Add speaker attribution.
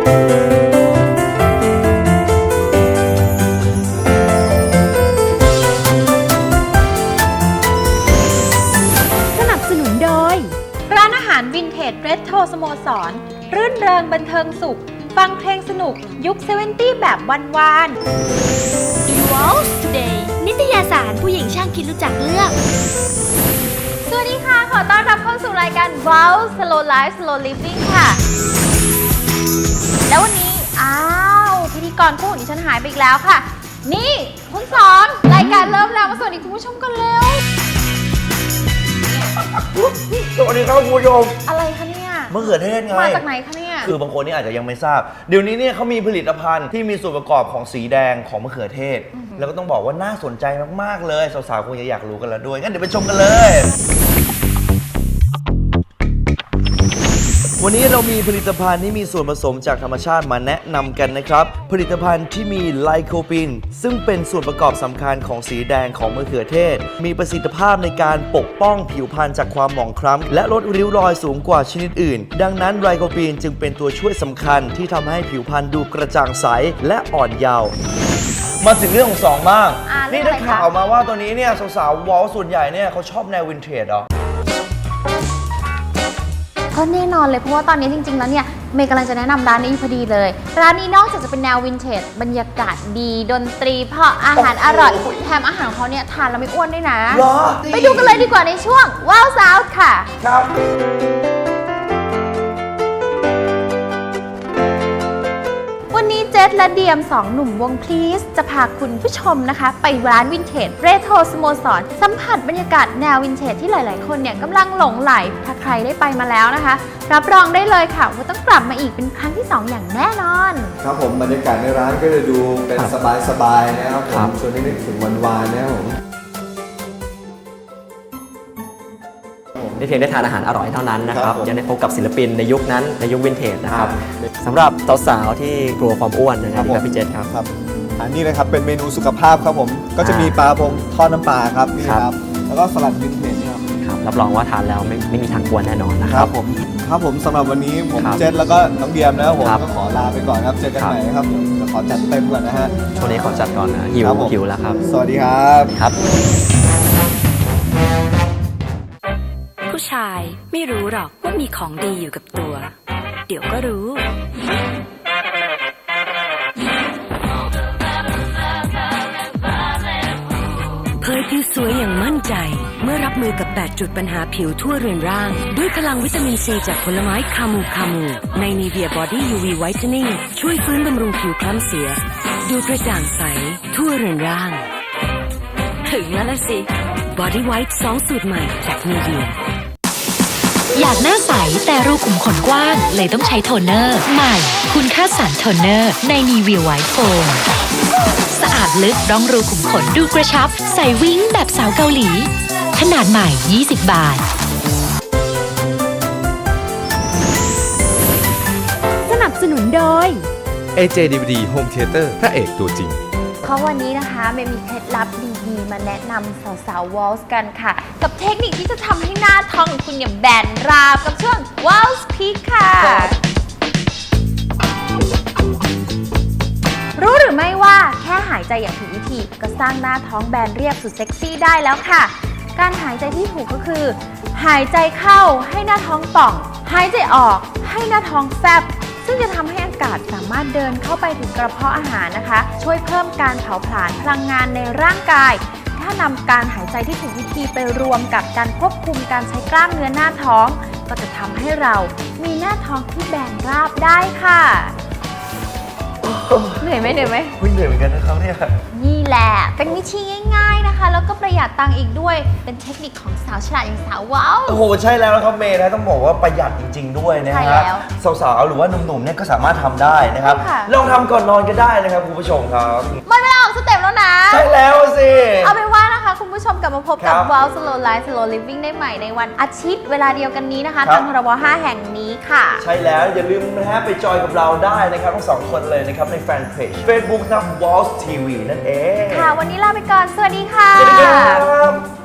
Speaker 1: วินเทจเรโทรสโมสรรื่นเริงบันเทิงสุขฟังเพลงสนุกยุค70แบบวาน
Speaker 2: Walls Today นิตยสารผู้หญิงช่างคิดรู้จักเลือก
Speaker 1: สวัสดีค่ะขอต้อนรับเข้าสู่รายการ Walls Slow Life Slow Living ค่ะแล้ววันนี้พิธีกรคู่ของดิฉันหายไปอีกแล้วค่ะนี่คุณสอนรายการเริ่มแล้วมาสวัสดีคุณผู้ชมกันเร็ว
Speaker 3: สวัสดีครับคุณผู้ชม
Speaker 1: อะไรคะเนี่ย
Speaker 3: มะเขือเทศไง
Speaker 1: มาจากไหนคะเนี่ย
Speaker 3: คือบางคนนี่อาจจะยังไม่ทราบเดี๋ยวนี้เนี่ยเขามีผลิตภัณฑ์ที่มีส่วนประกอบของสีแดงของมะเขือเทศแล้วก็ต้องบอกว่าน่าสนใจมากๆเลยสาวๆคงจะอยากรู้กันแล้วด้วยงั้นเดี๋ยวไปชมกันเลยวันนี้เรามีผลิตภัณฑ์ที่มีส่วนผสมจากธรรมชาติมาแนะนำกันนะครับผลิตภัณฑ์ที่มีไลโคปินซึ่งเป็นส่วนประกอบสำคัญของสีแดงของมะเขือเทศมีประสิทธิภาพในการปกป้องผิวพรรณจากความหมองคล้ำและลดริ้วรอยสูงกว่าชนิดอื่นดังนั้นไลโคปินจึงเป็นตัวช่วยสำคัญที่ทำให้ผิวพรรณดูกระจ่างใสและอ่อนเยาว์มาถึงเรื่องของ2บ้างนี่ได้ข่าวมาว่าตัวนี้เนี่ยสาวๆวอลส่วนใหญ่เนี่ยเขาชอบแนววินเทจเหรอ
Speaker 1: ก็แน่นอนเลยเพราะว่าตอนนี้จริงๆแล้วเนี่ยเมย์กำลังจะแนะนำร้านนี้พอดีเลยร้านนี้นอกจากจะเป็นแนววินเทจบรรยากาศดีดนตรีเพราะอาหารอร่อยแถมอาหารของเขาเนี่ยทานแล้วไม่อ้วนด้วยนะไปดูกันเลยดีกว่าในช่วงว้าวซาวด์ค่ะครับวันนี้เจษและเดียม2หนุ่มวงพลีสจะพาคุณผู้ชมนะคะไปร้านวินเทจเรโทรสโมสรสัมผัสบรรยากาศแนววินเทจที่หลายๆคนเนี่ยกำลังหลงไหลถ้าใครได้ไปมาแล้วนะคะรับรองได้เลยค่ะว่าต้องกลับมาอีกเป็นครั้งที่2อย่างแน่นอน
Speaker 4: ครับผมบรรยากาศในร้านก็จะดูเป็นสบายๆนะครับผมชวนให้นึกถึงวันวานนะครับผม
Speaker 5: ไม่เพียงได้ทานอาหารอร่อยเท่านั้นนะครับยังได้พบกับศิลปินในยุคนั้นในยุควินเทจนะครับสำหรับสาวๆที่กลัวความอ้วนนะครับพี่เจษครับ
Speaker 4: อันนี้นะครับเป็นเมนูสุขภาพครับผมก็จะมีปลาพงทอดน้ำปลาครับนี่ครับแล้วก็สลัดวินเทจ
Speaker 5: ครับรับรองว่าทานแล้วไม่มีทางกวนแน่นอนนะครับ
Speaker 4: ผมสำหรับวันนี้ผมเจษแล้วก็น้องเดียมนะครับผมก็ขอลาไปก่อนครับเจอกันใหม่ครับจะขอจัดเต็มก่อนนะฮะ
Speaker 5: ช่วงนี้ขอจัดก่อนนะหิวแล้วครับ
Speaker 4: สวัสดีครับ
Speaker 2: ผู้ชายไม่รู้หรอกว่ามีของดีอยู่กับตัวเดี๋ยวก็รู้เผยผิวสวยอย่างมั่นใจเมื่อรับมือกับ8จุดปัญหาผิวทั่วเรือนร่างด้วยพลังวิตามินซีจากผลไม้คามูใน Nivea Body UV Whitening ช่วยฟื้นบำรุงผิวคล้ำเสียดูกระจ่างใสทั่วเรือนร่างถึงแล้วล่ะสิ Body White 2 สูตรใหม่จาก Nivea
Speaker 6: อยากหน้าใสแต่รูขุมขนกว้างเลยต้องใช้โทนเนอร์ใหม่คุณค่าสารโทนเนอร์ใน Nivea White Foam สะอาดลึกร่องรูขุมขนดูกระชับใส่วิ้งแบบสาวเกาหลีขนาดใหม่20 บาท
Speaker 1: สนับสนุนโดย
Speaker 7: AJ DVD Home Theater พระเอกตัวจริง
Speaker 1: เพราะวันนี้นะคะเมย์มีเคล็ดลับดีๆมาแนะนำสาวๆวอลส์กันค่ะกับเทคนิคที่จะทำให้หน้าท้องของคุณเนี่ยแบนราบกับช่วงวอลส์พีคค่ะรู้หรือไม่ว่าแค่หายใจอย่างถูกวิธีก็สร้างหน้าท้องแบนเรียบสุดเซ็กซี่ได้แล้วค่ะการหายใจที่ถูกก็คือหายใจเข้าให้หน้าท้องป่องหายใจออกให้หน้าท้องแฟบซึ่งจะทำให้อากาศสามารถเดินเข้าไปถึงกระเพาะอาหารนะคะช่วยเพิ่มการเผาผลาญพลังงานในร่างกายถ้านำการหายใจที่ถูกวิธีไปรวมกับการควบคุมการใช้กล้ามเนื้อหน้าท้องก็จะทำให้เรามีหน้าท้องที่แบนราบได้ค่ะเหนื่อยไหมเหนื่อย
Speaker 3: เหมือนกันนะครับเนี่ย
Speaker 1: นี่แหละเป็นวิธีง่ายๆนะคะแล้วก็ประหยัดตังค์อีกด้วยเป็นเทคนิคของสาวฉลาดอย่างสาวว้าว
Speaker 3: โอ้โหใช่แล้วนะครับเมย์นะต้องบอกว่าประหยัดจริงๆด้วยนะฮะสาวๆหรือว่าหนุ่มๆเนี่ยก็สามารถทำได้นะครับลองทำก่อนนอนก็ได้นะครับคุณผู้ชมครับ
Speaker 1: หมดเวลาออกสเต็ปแล้วนะ
Speaker 3: ใช่แล้วสิ
Speaker 1: เอาเป็นว่านะคะคุณผู้ชมกลับมาพบกับ Wow Slow Life Slow Living ได้ใหม่ในวันอาทิตย์เวลาเดียวกันนี้นะคะทางทรบ5แห่งนี้ค่ะ
Speaker 3: ใช่แล้วอย่าลืมนะฮะไปจอยกับเราได้นะครับทั้ง2คนเลยนะครับในแฟนเพจ Facebook นะ Walls TV นั่นเอง
Speaker 1: ค่ะวันนี้ลาไปก่อนสวัสดีค่ะ
Speaker 3: สวัสดีครับ